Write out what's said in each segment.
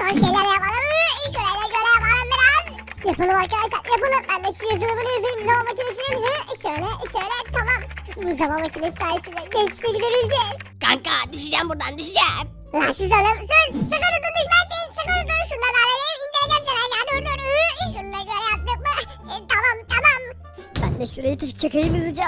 son şeyler yapalım. Şöyle yapalım biraz. Yapalım arkadaşlar yapalım. Ben de şu yazılımını yazayım zaman makinesinin. Şöyle tamam. Bu zaman makinesi sayesinde geçmişe gidebileceğiz. Kanka düşeceğim buradan düşeceğim. Lan siz oğlum sus. Sakın dur düşmezsin. Sakın dur. Şundan alayım indireceğim seni aşağı dur. Şununla göre yaptık mı? Tamam. Ben de şurayı çakayım hızlıca.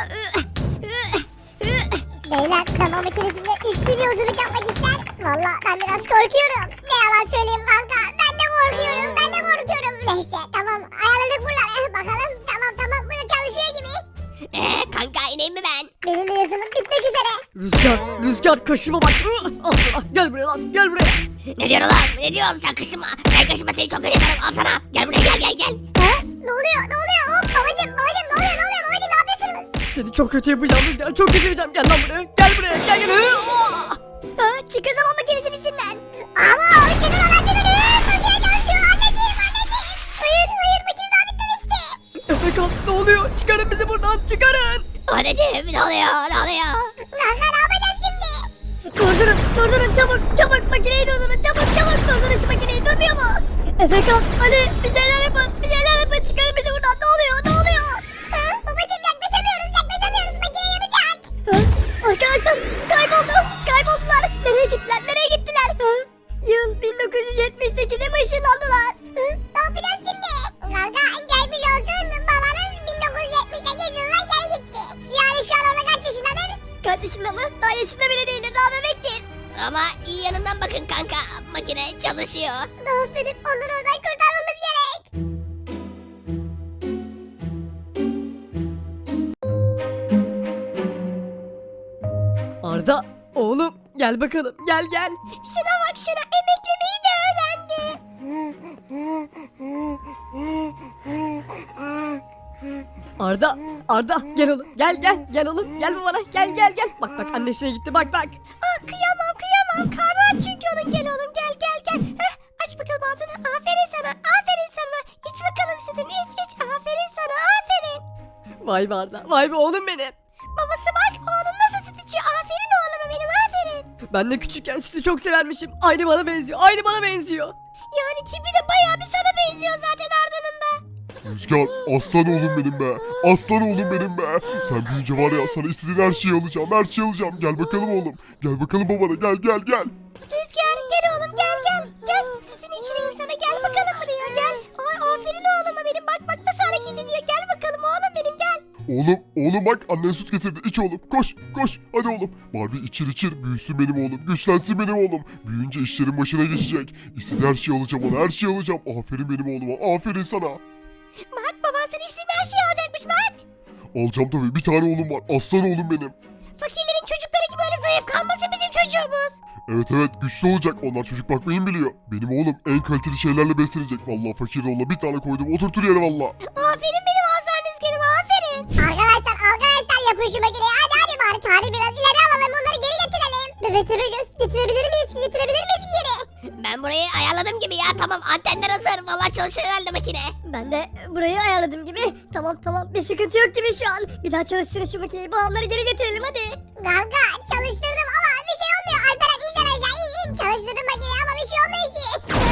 Beyler zaman makinesinde ilk kim yolculuk yapmak ister? Valla ben biraz korkuyorum. Ne yalan söyleyeyim kanka. Ben de korkuyorum. Neyse tamam ayarladık buraları. Bakalım tamam burada çalışıyor gibi. Kanka ineyim mi ben? Benim de yazılım bitmek üzere. Rüzgar kaşıma bak. Al sana. Gel buraya lan gel buraya. Ne diyorsun lan? Ne diyorsun sen kaşıma? Sen kaşıma seni çok kötü yaparım. Al sana. Gel buraya gel. Ha? Ne oluyor? Hop babacım ne oluyor? Babacım ne yapıyorsunuz? Seni çok kötü yapacağım Rüzgar. Çok kötü yapacağım. Gel lan buraya. Gel. Çıkın zaman makinesinin içinden. Ama çıkın oradan çıkın. Makine çalışıyor anneciğim. Hayır makine daha bitmemişti. Efekan ne oluyor? Çıkarın bizi buradan çıkarın. Anneciğim ne oluyor? Kanka ne yapacağız şimdi? Durdurun çabuk makineyi durdurun çabuk durdurun şu makineyi durmuyor mu? Efekan Ali bir şeyler yapın çıkarın bizi buradan ne oluyor? Babacım yaklaşamıyoruz makine yanacak. Arkadaşlar kayboldular. Nereye gittiler? Yıl 1978'e mi ışınlandılar? Ne yapacağız şimdi? Kanka gelmiş olsun babanız 1978 yılına geri gitti. Yani şu an orada kaç yaşındadır? Kaç yaşında mı? Daha yaşında bile değildir daha bebektir. Ama iyi yanından bakın kanka. Makine çalışıyor. Ne yapıp onları oradan kurtarmamız gerek. Arda oğlum gel bakalım gel. Şuna bak emeklemeyi de öğrendi. Arda gel oğlum gel oğlum gel babana gel. Bak annesine gitti bak. Kıyamam karnı aç çünkü onun gel oğlum gel. Aç bakalım ağzını aferin sana iç bakalım sütünü iç aferin sana aferin. Vay be Arda vay be oğlum benim. Babası bak oğlun nasıl süt içiyor aferin oğluma benim aferin. Ben de küçükken sütü çok severmişim. Aynı bana benziyor. Yani tipi de bayağı bir sana benziyor zaten Arda'nın da. Rüzgar aslan oğlum benim be. Aslan oğlum benim be. Sen büyüyünce var ya sana istediğin her şeyi alacağım. Gel bakalım oğlum. Gel bakalım babana gel. Rüzgar gel oğlum gel. Sütünü içireyim sana gel bakalım buraya gel. Ay aferin oğluma benim bak nasıl hareket ediyor gel bakalım oğlum benim gel. Oğlum bak annen süt getirdi. İç oğlum. Koş. Hadi oğlum. Barbie içir. Büyüsün benim oğlum. Güçlensin benim oğlum. Büyüyünce işlerin başına geçecek. İstediği her şeyi alacağım ona. Her şeyi alacağım. Aferin benim oğluma. Aferin sana. Bak baban sana istediğin her şeyi alacakmış bak. Alacağım tabii. Bir tane oğlum var. Aslan oğlum benim. Fakirlerin çocukları gibi öyle zayıf kalmasın bizim çocuğumuz. Evet güçlü olacak. Onlar çocuk bakmayı biliyor. Benim oğlum en kaliteli şeylerle beslenecek. Vallahi fakir oğluna bir tane koydum. Oturtur yere valla. Aferin benim Hasan Rüzgar'ım aferin. Arkadaşlar yapın şu makineyi hadi bari tarihi biraz ileri alalım onları geri getirelim. Bebek göz getirebilir miyiz geri? Ben burayı ayarladım gibi ya. Tamam antenler hazır. Vallahi çalışır herhalde makine. Ben de burayı ayarladım gibi. Tamam bir sıkıntı yok gibi şu an. Bir daha çalıştırın şu makineyi bağımları geri getirelim hadi. Kanka çalıştırdım ama bir şey olmuyor. Alperen insan aşağı in. Çalıştırdım makineyi ama bir şey olmuyor ki.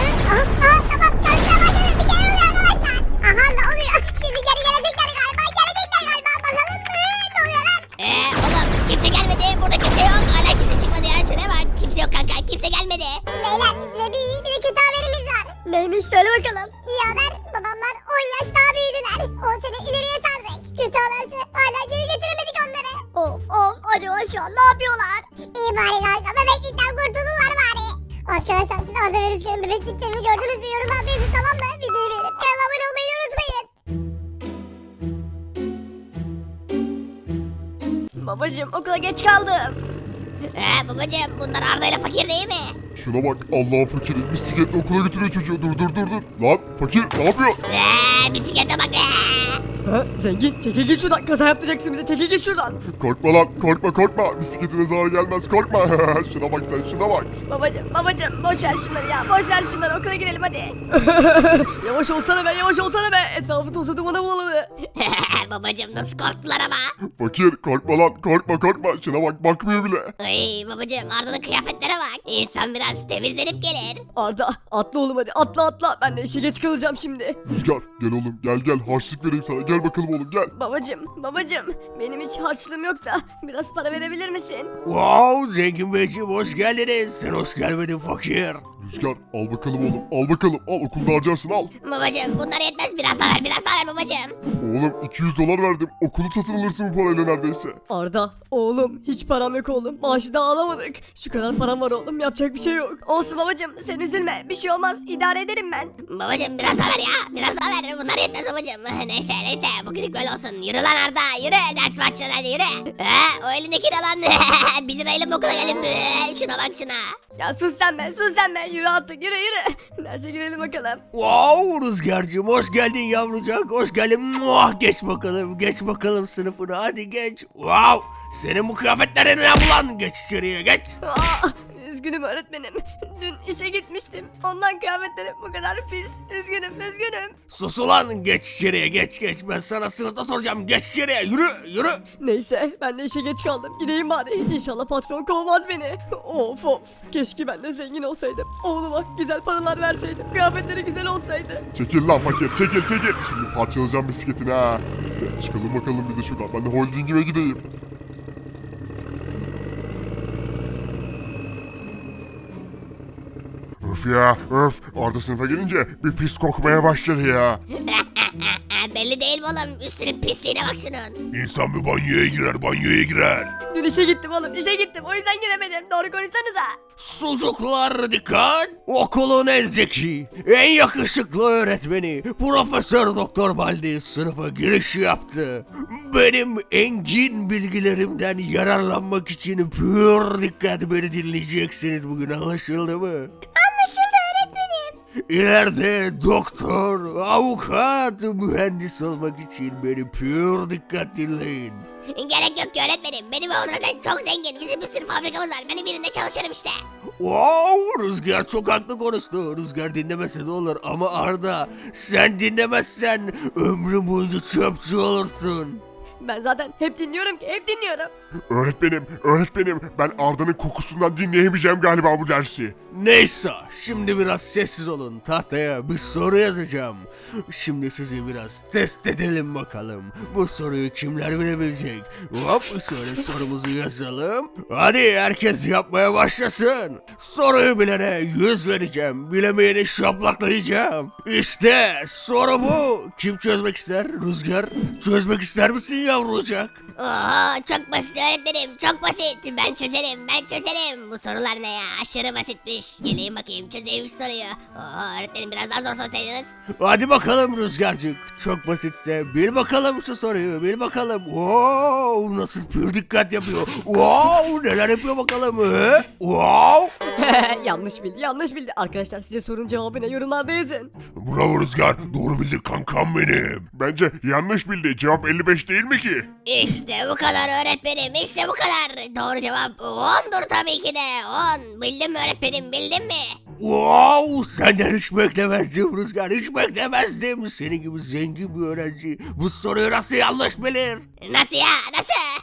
Tamam çalışmaya başladım bir şeyler oluyor arkadaşlar. Aha ne oluyor? Şimdi geri gelecekler galiba. Bakalım ne oluyor lan? Oğlum kimse gelmedi. Burada kimse yok. Hala kimse çıkmadı ya. Şuraya bak. Kimse yok kanka. Kimse gelmedi. Beyler size bir iyi bir de kötü haberimiz var. Neymiş söyle bakalım. İyi haber babamlar 10 yaş daha büyüdüler. 10 sene ileriye sardık. Kötü haberse hala geri getiremedik onları. Of acaba şu an ne yapıyorlar? İyi bari kanka bebeklikten kurtuldular bari. Arkadaşlar siz Arda ve Rüzgar'ın bebekliklerini gördünüz mü? Yorumlarda yazın tamam mı? Videoyu beğenip kanala abone olmayı unutmayın. Babacım okula geç kaldım. Babacığım bunlar Arda ile fakir değil mi? Şuna bak Allah'ın fakiri. Bisikletle okula götürüyor çocuğu. Dur. Lan fakir ne yapıyor? Bisiklete bak. Ha, zengin çekil git şuradan, kaza yaptıracaksın bize, çekil git şuradan. Korkma lan, korkma. Bisikletine zarar gelmez, korkma. Şuna bak sen, şuna bak. Babacım boş ver şunları ya, boş ver şunları, okula girelim hadi. Yavaş olsana be, etrafı tozu dumana buladı. Babacım nasıl korktular ama. Fakir, korkma lan, korkma. Şuna bak, bakmıyor bile. Ay babacım Arda'nın kıyafetlere bak. İnsan biraz temizlenip gelir. Arda atla oğlum hadi, atla, ben de işe geç kalacağım şimdi. Rüzgar, gel oğlum, gel. Harçlık vereyim sana, gel bakalım oğlum, gel. Babacım benim hiç harçlığım yok da biraz para verebilir misin? Wow, Zengin Beyciğim hoş geldiniz. Sen hoş gelmedin fakir. Rüzgar, al bakalım oğlum, al okulda harcarsın, al. Babacım bunlar yetmez, biraz daha ver babacım. Oğlum 200 dolar verdim, okulu satın alırsın bu parayla neredeyse. Arda oğlum hiç param yok oğlum, maaşı da alamadık. Şu kadar param var oğlum, yapacak bir şey yok. Olsun babacım, sen üzülme, bir şey olmaz, idare ederim ben. Babacım biraz daha ver ya, biraz daha ver, bunlar yetmez babacım. Neyse bugünlük böyle olsun. Yürü lan Arda, yürü, ders başladı hadi yürü. O elindeki de lan. 1 lirayla mı okula geldim? Şuna bak şuna. Ya sus sen be, yürü artık, yürü. Derse girelim bakalım. Wow, Rüzgar'cığım hoş geldin yavrucak, hoş geldin. Muah, geç bakalım sınıfına, hadi geç. Wow, senin bu kıyafetlerin ne bu lan? Geç içeriye, geç. Üzgünüm öğretmenim. Dün işe gitmiştim. Ondan kıyafetlerim bu kadar pis. Üzgünüm. Sus ulan, geç içeriye, geç. Ben sana sınıfta soracağım, geç içeriye, yürü. Neyse ben de işe geç kaldım, gideyim bari. İnşallah patron kovmaz beni. Of keşke ben de zengin olsaydım. Oğluma güzel paralar verseydim, kıyafetleri güzel olsaydı. Çekil lan fakir, çekil. Şimdi parçalayacağım bisikletini ha. Neyse, çıkalım bakalım bir de şuradan, ben de holdingime gideyim. Öf, Arda sınıfa gelince bir pis kokmaya başladı ya. Belli değil mi oğlum? Üstünün pisliğine bak şunun. İnsan bir banyoya girer. Dün işe gittim oğlum, işe gittim. O yüzden giremedim. Doğru konuşsanıza. Sucuklar dikkat! Okulun en zeki, en yakışıklı öğretmeni Profesör Doktor Baldi sınıfa giriş yaptı. Benim engin bilgilerimden yararlanmak için pür dikkat beni dinleyeceksiniz bugün, anlaşıldı mı? Anlaşıldı öğretmenim. İleride doktor, avukat, mühendis olmak için beni pür dikkat dinleyin. Gerek yok ki öğretmenim. Benim oğlum zaten çok zengin. Bizim bir sürü fabrikamız var. Benim birinde çalışırım işte. Wow, Rüzgar çok haklı konuştu. Rüzgar dinlemese de olur ama Arda, sen dinlemezsen ömrün boyunca çöpçü olursun. Ben zaten hep dinliyorum. Öğretmenim, ben Arda'nın kokusundan dinleyemeyeceğim galiba bu dersi. Neyse, şimdi biraz sessiz olun. Tahtaya bir soru yazacağım. Şimdi sizi biraz test edelim bakalım. Bu soruyu kimler bilebilecek? Hop, şöyle sorumuzu yazalım. Hadi herkes yapmaya başlasın. Soruyu bilene 100 vereceğim. Bilemeyeni şaplaklayacağım. İşte soru bu. Kim çözmek ister? Rüzgar, çözmek ister misin yavrucak? Oo çok basit öğretmenim. Çok basit. Ben çözerim. Bu sorular ne ya? Aşırı basitmiş. Geleyim bakayım çözeyim şu soruyu. Oo öğretmenim biraz daha zor sorsaydınız. Hadi bakalım Rüzgarcık. Çok basitse bil bakalım şu soruyu, bil bakalım. Wow, nasıl pür dikkat yapıyor. Wow, neler yapıyor bakalım. Wow. yanlış bildi. Arkadaşlar size sorunun cevabını yorumlarda yazın. Bravo Rüzgar, doğru bildi kankam benim. Bence yanlış bildi, cevap 55 değil mi ki? İşte bu kadar öğretmenim. İşte bu kadar. Doğru cevap 10'dur tabii ki de. 10. Bildin mi öğretmenim, bildin mi? Wow, senden hiç beklemezdim Rüzgar, hiç beklemezdim. Senin gibi zengin bir öğrenci bu soruyu nasıl yanlış bilir? Nasıl ya? Nasıl?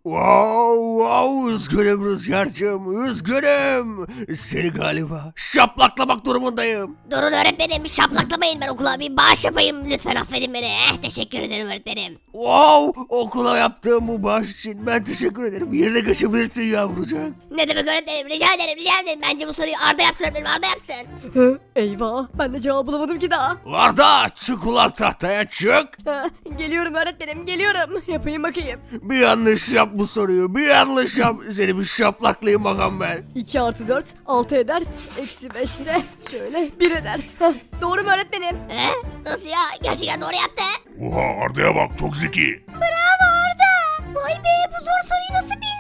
Wow, üzgünüm Rüzgar'cığım, üzgünüm. Seni galiba şaplaklamak durumundayım. Durun öğretmenim, şaplaklamayın, ben okula bir bağış yapayım. Lütfen affedin beni. Teşekkür ederim öğretmenim. Wow, okula yaptığım bu bağış için ben teşekkür ederim. Yerine geçebilirsin yavrucak. Ne demek öğretmenim? Rica ederim. Bence bu soruyu Arda yapsın öğretmenim, Arda yapsın. Eyvah ben de cevap bulamadım ki daha. Arda, çık ulan tahtaya, çık. Geliyorum öğretmenim, geliyorum. Yapayım bakayım. Bir yanlış yap bu soruyu, bir yanlış yap. Seni bir şaplaklayayım bakalım ben. 2 artı 4 6 eder. Eksi 5 de şöyle 1 eder. Doğru mu öğretmenim? Nasıl ya? Gerçekten doğru yaptı. Oha, Arda'ya bak, çok zeki. Bravo Arda. Vay be, bu zor soruyu nasıl bildi?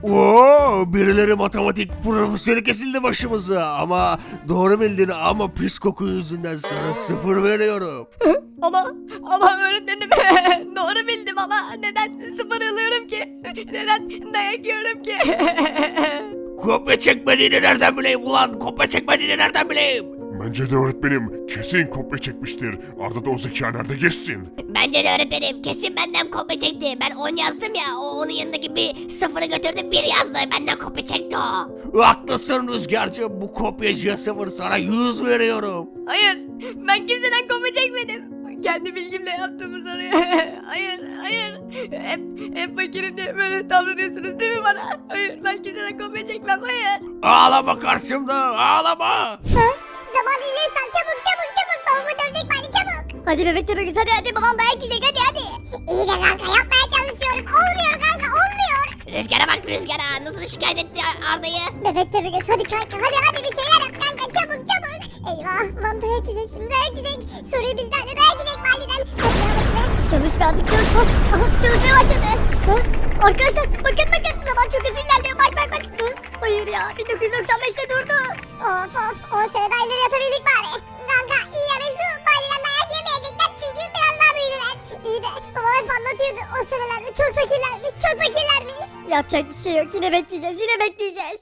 Oo, birileri matematik profesörü kesildi başımıza ama doğru bildin ama pis koku yüzünden sana 0 veriyorum. Ama öğretmenim doğru bildim ama neden 0 alıyorum ki? Neden dayak yiyorum ki? Kopya çekmediğini nereden bileyim ulan? Kopya çekmediğini nereden bileyim? Bence de öğretmenim kesin kopya çekmiştir. Arda da o zeka nerede geçsin? Bence de öğretmenim kesin benden kopya çekti. Ben 10 yazdım ya, o onun yanındaki bir 0'ı götürdü 1 yazdı. Benden kopya çekti o. Haklısın Rüzgar'cığım, bu kopyacıya 0 sana 100 veriyorum. Hayır, ben kimseden kopya çekmedim. Kendi bilgimle yaptığımı soruyor. Hayır. Hep fakirim diye böyle davranıyorsunuz değil mi bana? Hayır, ben kimseden kopya çekmem, hayır. Ağlama karşımda, ağlama. Zaman ilersen çabuk. Babamı dövecek bari çabuk. Hadi bebek Tepegöz hadi babam dayak yiyecek hadi. İyi de kanka yapmaya çalışıyorum. Olmuyor kanka olmuyor. Rüzgara bak, Rüzgara nasıl şikayet etti Arda'yı. Bebek Tepegöz hadi kanka hadi bir şeyler yap kanka çabuk. Eyvah lan dayak yiyecek şimdi dayak yiyecek. Soruyu bildi anne dayak yiyecek validen. Hadi ya bakayım. Çalış be artık çalış. Aha, çalışmaya başladı. Ha? Arkadaşlar bakın zaman çok hızlı ilerliyor bak. Ha? Hayır ya 1995'te durdu. Of 10 sene daha ileri yatabildik bari. Kanka iyi yani şu validen dayak yemeyecekler çünkü biraz daha büyüdüler. İyi de babam hep anlatıyordu o senelerde çok fakirlermiş. Yapacak bir şey yok yine bekleyeceğiz.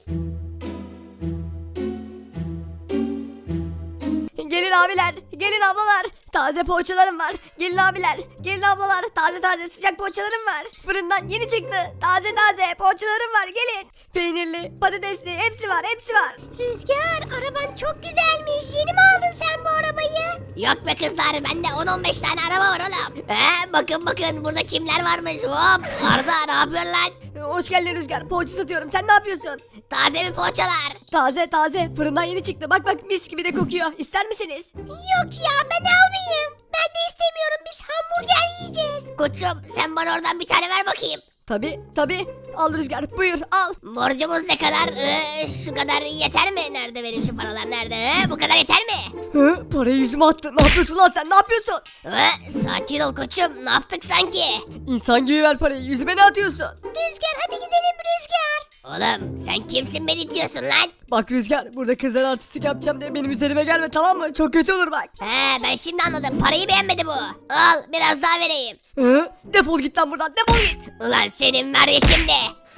Gelin abiler, gelin ablalar. Taze poğaçalarım var. Gelin abiler, gelin ablalar. Taze sıcak poğaçalarım var. Fırından yeni çıktı. Taze poğaçalarım var. Gelin. Peynirli, patatesli hepsi var. Rüzgar araban çok güzelmiş. Yeni mi aldın sen bu arabayı? Yok be kızlar, bende 10-15 tane araba var oğlum. Bakın burada kimler varmış. Hop, Arda ne yapıyorsun lan? Hoş geldin Rüzgar. Poğaça satıyorum. Sen ne yapıyorsun? Taze mi poğaçalar? Taze. Fırından yeni çıktı. Bak mis gibi de kokuyor. İster misiniz? Yok ya ben almayayım. Ben de istemiyorum biz hamburger yiyeceğiz. Koçum sen bana oradan bir tane ver bakayım. Tabii. Al Rüzgar. Buyur al. Borcumuz ne kadar? Şu kadar yeter mi? Nerede benim şu paralar nerede? Bu kadar yeter mi? Parayı yüzüme attı. Ne yapıyorsun lan sen? Ne yapıyorsun? Sakin ol koçum, ne yaptık sanki? İnsan gibi ver parayı. Yüzüme ne atıyorsun? Rüzgar hadi gidelim Rüzgar. Oğlum sen kimsin beni itiyorsun lan? Bak Rüzgar, burada kızlar artistik yapacağım diye benim üzerime gelme, tamam mı? Çok kötü olur bak. Ben şimdi anladım, parayı beğenmedi bu. Al biraz daha vereyim. Defol git lan buradan, defol git. Ulan senin var ya şimdi.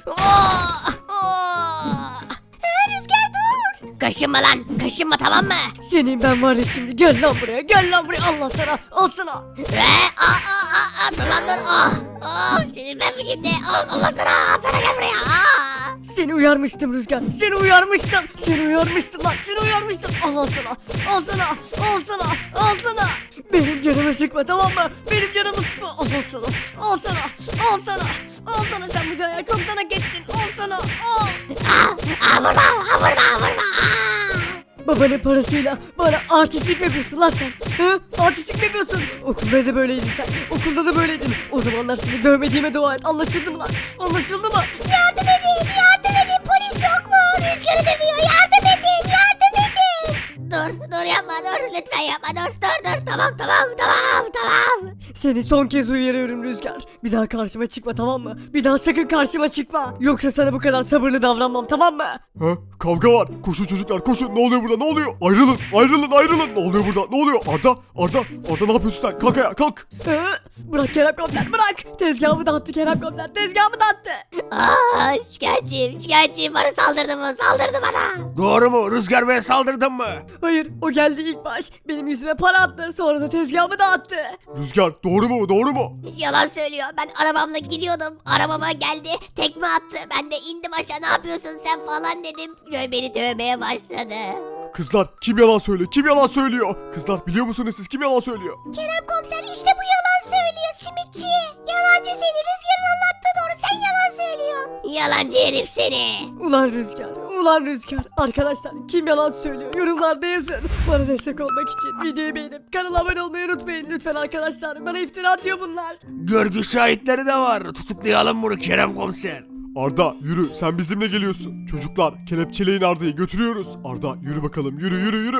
Rüzgar dur. Kaşınma tamam mı? Senin ben var ya şimdi, gel lan buraya, Allah sana, al sana. Dur lan dur. Senin ben şimdi. Allah sana gel buraya. Seni uyarmıştım Rüzgar, seni uyarmıştım lan, al sana. Benim canımı sıkma, tamam mı? Benim canımı sıkma, al sana, sen bu dünyaya çoktan hak ettin, al sana, al. Vurma. Babanın parasıyla bana artistlik mi yapıyorsun lan sen? Artistlik mi yapıyorsun? Okulda da böyleydin sen. Okulda da böyleydin. O zamanlar seni dövmediğime dua et. Anlaşıldı mı lan? Anlaşıldı mı? Yardım edin polis yok mu? Rüzgarı dövüyor yardım edin. Dur yapma, lütfen yapma, dur. Tamam. Seni son kez uyarıyorum Rüzgar. Bir daha karşıma çıkma, tamam mı? Bir daha sakın karşıma çıkma. Yoksa sana bu kadar sabırlı davranmam, tamam mı? Kavga var. Koşun çocuklar koşun. Ne oluyor burada? Ne oluyor? Ayrılın. Ne oluyor burada? Ne oluyor? Arda ne yapıyorsun sen? Kalk ayağa kalk. Bırak Kerem komiser, bırak. Tezgahımı dağıttı Kerem komiser, tezgahımı dağıttı. Şikayetçiyim, bana saldırdı bana. Doğru mu? Rüzgar Bey'e saldırdın mı? Hayır, o geldi ilk baş. Benim yüzüme para attı, sonra da tezgahımı dağıttı. Rüzgar doğru mu? Yalan söylüyor, ben arabamla gidiyordum, arabama geldi, tekme attı, ben de indim aşağı, ne yapıyorsun sen falan dedim, ve beni dövmeye başladı. Kızlar kim yalan söylüyor? Kızlar biliyor musunuz siz kim yalan söylüyor? Kerem komiser işte bu yalan söylüyor simitçi. Yalancı seni Rüzgar'ın anlattığı doğru sen yalan söylüyorsun. Yalancı herif seni. Ulan Rüzgar. Arkadaşlar kim yalan söylüyor? Yorumlarda yazın. Bana destek olmak için videoyu beğenip kanala abone olmayı unutmayın. Lütfen arkadaşlar. Bana iftira atıyor bunlar. Görgü şahitleri de var. Tutuklayalım bunu Kerem komiser. Arda yürü sen bizimle geliyorsun. Çocuklar kelepçeleyin Arda'yı götürüyoruz. Arda yürü bakalım yürü.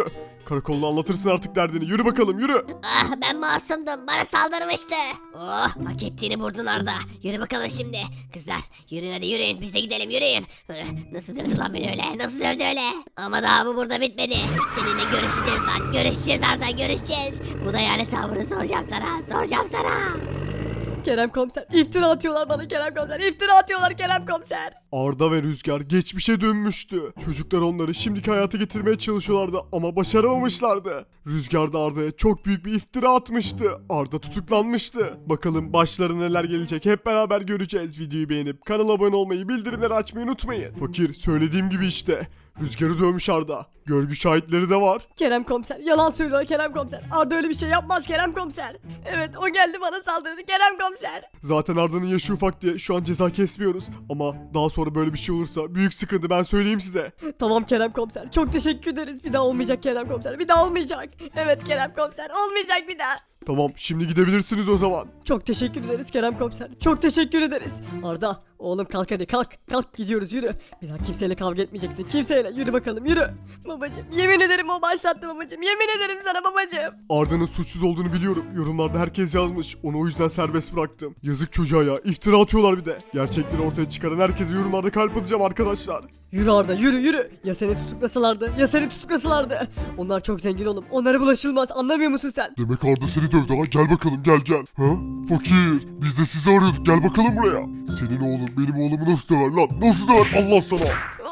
Karakolda anlatırsın artık derdini. Yürü bakalım yürü. Ah ben masumdum. Bana saldırmıştı. Oh hak ettiğini vurdun Arda. Yürü bakalım şimdi. Kızlar yürüyün hadi yürüyün. Biz de gidelim yürüyün. Nasıl dövdü lan beni öyle? Nasıl dövdü öyle? Ama daha bu burada bitmedi. Seninle görüşeceğiz lan. Görüşeceğiz Arda görüşeceğiz. Bu da yani hesabını soracağım sana. Soracağım sana. Kerem komiser iftira atıyorlar bana Kerem komiser. İftira atıyorlar Kerem komiser. Arda ve Rüzgar geçmişe dönmüştü. Çocuklar onları şimdiki hayata getirmeye çalışıyorlardı ama başaramamışlardı. Rüzgar da Arda'ya çok büyük bir iftira atmıştı. Arda tutuklanmıştı. Bakalım başlarına neler gelecek hep beraber göreceğiz. Videoyu beğenip kanala abone olmayı, bildirimleri açmayı unutmayın. Fakir söylediğim gibi işte. Rüzgarı dövmüş Arda. Görgü şahitleri de var. Kerem komiser yalan söylüyor Kerem komiser. Arda öyle bir şey yapmaz Kerem komiser. Evet o geldi bana saldırdı Kerem komiser. Zaten Arda'nın yaşı ufak diye şu an ceza kesmiyoruz. Ama daha sonra böyle bir şey olursa büyük sıkıntı, ben söyleyeyim size. Tamam Kerem komiser çok teşekkür ederiz. Bir daha olmayacak Kerem komiser, bir daha olmayacak. Evet Kerem komiser olmayacak bir daha. Tamam şimdi gidebilirsiniz o zaman. Çok teşekkür ederiz Kerem komiser. Çok teşekkür ederiz. Arda oğlum kalk hadi kalk. Kalk gidiyoruz yürü. Bir daha kimseyle kavga etmeyeceksin. Kimseyle yürü bakalım yürü. Babacım yemin ederim o başlattı babacım. Yemin ederim sana babacım. Arda'nın suçsuz olduğunu biliyorum. Yorumlarda herkes yazmış. Onu o yüzden serbest bıraktım. Yazık çocuğa ya. İftira atıyorlar bir de. Gerçekleri ortaya çıkaran herkese yorumlarda kalp atacağım arkadaşlar. Yürü Arda yürü yürü. Ya seni tutuklasalardı ya seni tutuklasalardı. Onlar çok zengin oğlum. Onlara bulaşılmaz anlamıyor musun sen? Demek Arda seni dövdü ha. Gel bakalım gel. Ha? Fakir. Biz de sizi arıyorduk. Gel bakalım buraya. Senin oğlun benim oğlumu nasıl döver lan? Nasıl döver Allah sana?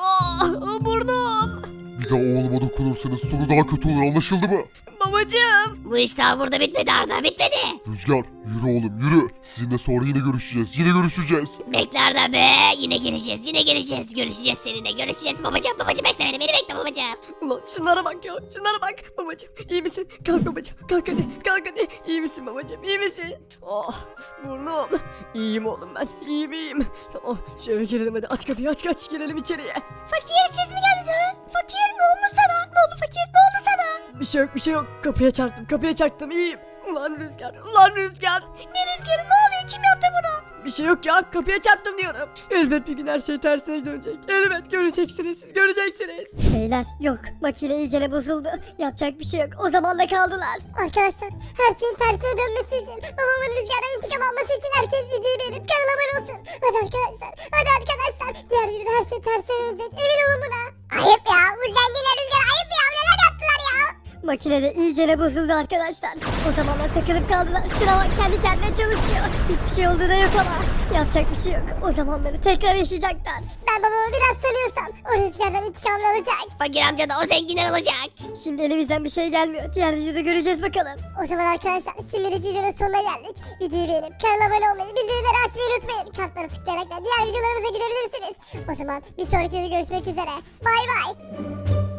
Burnum. Bir daha oğluma dokunursanız sonu daha kötü olur, anlaşıldı mı? Babacım. Bu iş daha burada bitmedi Arda bitmedi. Rüzgar yürü oğlum yürü. Sizinle sonra yine görüşeceğiz. Yine görüşeceğiz. Bekle Arda be. Yine geleceğiz yine geleceğiz. Görüşeceğiz seninle görüşeceğiz babacığım. Babacığım bekle beni bekle babacığım. Ulan şunlara bak ya şunlara bak. Babacım iyi misin? Kalk babacım kalk hadi. İyi misin babacım iyi misin? Oh burnum. İyiyim oğlum ben iyiyim. Tamam şu eve girelim hadi aç kapıyı aç girelim içeriye. Fakir siz mi geldiniz ha? Fakir ne olmuş sana? Ne oldu fakir ne oldu sana? Bir şey yok kapıya çarptım iyiyim. Ulan Rüzgar Ne rüzgarı ne oluyor kim yaptı bunu? bir şey yok ya kapıya çarptım diyorum. Elbet bir gün her şey tersine dönecek. Elbet göreceksiniz siz göreceksiniz. Beyler yok makine iyicene bozuldu. Yapacak bir şey yok. O zaman da kaldılar. Arkadaşlar her şeyin tersine dönmesi için babamın Rüzgar'dan intikam alması için herkes videoyu beğenip kanala abone olsun. Hadi arkadaşlar. Diğer videoda her şey tersine dönecek. Emin olun buna. Ayıp ya. Bu zenginler Rüzgar ayıp ya. Neler yaptılar ya. Makine de iyicene bozuldu arkadaşlar. O zamanlar takılıp kaldılar. Şuna bak kendi kendine çalışıyor. Hiçbir şey olduğu da yok ama. Yapacak bir şey yok. O zamanları tekrar yaşayacaklar. Ben babamı biraz tanıyorsam o Rüzgar'dan intikamını alacak. Fakir amca da o zenginler olacak. Şimdi elimizden bir şey gelmiyor. Diğer videoda göreceğiz bakalım. O zaman arkadaşlar şimdilik videonun sonuna geldik. Videoyu beğenip kanala abone olmayı, bildirimleri açmayı unutmayın. Kartları tıklayarak da diğer videolarımıza gidebilirsiniz. O zaman bir sonraki videoda görüşmek üzere. Bay bay.